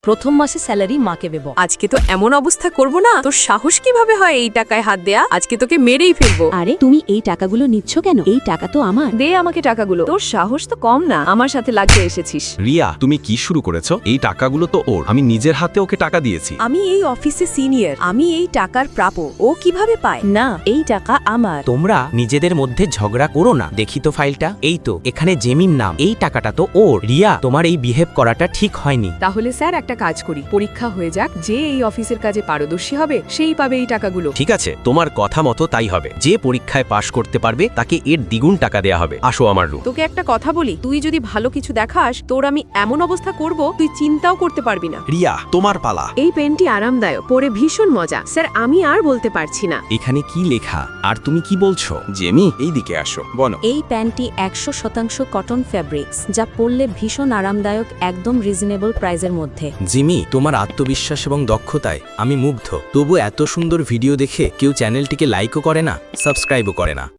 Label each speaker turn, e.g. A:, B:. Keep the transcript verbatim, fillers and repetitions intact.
A: প্রথম মাসে স্যালারি মাকে দেব।
B: আজকে তো এমন অবস্থা করব না, তোর সাহস কিভাবে হয় এই টাকায় হাত দেয়া? আজকে তোকে মেরেই ফেলবো।
C: আরে তুমি এই টাকাগুলো নিচ্ছ কেন? এই টাকা তো আমার।
B: দে আমাকে টাকাগুলো। তোর সাহস তো কম না, আমার সাথে লাগতে এসেছিস।
D: রিয়া, তুমি কি শুরু করেছো? এই টাকাগুলো তো ওর, আমি নিজের হাতে ওকে টাকা দিয়েছি।
B: আমি এই অফিসে সিনিয়র, আমি এই টাকার প্রাপ্য। ও কিভাবে পায়?
C: না, এই টাকা আমার।
E: তোমরা নিজেদের মধ্যে ঝগড়া করো না। দেখি তো ফাইলটা। এই তো, এখানে জেমির নাম। এই টাকাটা তো ওর। রিয়া, তোমার এই বিহেভ করাটা ঠিক হয়নি।
B: তাহলে স্যার একটা কাজ করি, পরীক্ষা হয়ে যাক, যে এই অফিসের কাজে পারদর্শী হবে সেই পাবে এই টাকাগুলো।
D: ঠিক আছে, তোমার কথা মতো তাই হবে। যে পরীক্ষায় পাশ করতে পারবে তাকে এর দ্বিগুণ টাকা দেয়া হবে। আসো আমার রুম।
B: তোকে একটা কথা বলি, তুই যদি ভালো কিছু দেখাস, তোর আমি এমন অবস্থা করব তুই চিন্তাও করতে পারবি না।
D: রিয়া, তোমার পালা।
B: এই পেনটি আরামদায়ক, পরে ভীষণ মজা। স্যার আমি আর বলতে পারছি না।
D: এখানে কি লেখা আর তুমি কি বলছো? জেমি, এই দিকে আসো, বলো।
A: এই প্যান্টটি একশো শতাংশ কটন ফ্যাব্রিক্স, যা পরলে ভীষণ আরামদায়ক, একদম রিজনেবল প্রাইসের মধ্যে।
E: জিমি, তোমার আত্মবিশ্বাস এবং দক্ষতায় আমি মুগ্ধ। তবু এত সুন্দর ভিডিও দেখে কেউ চ্যানেলটিকে লাইকও করে না, সাবস্ক্রাইবও করে না।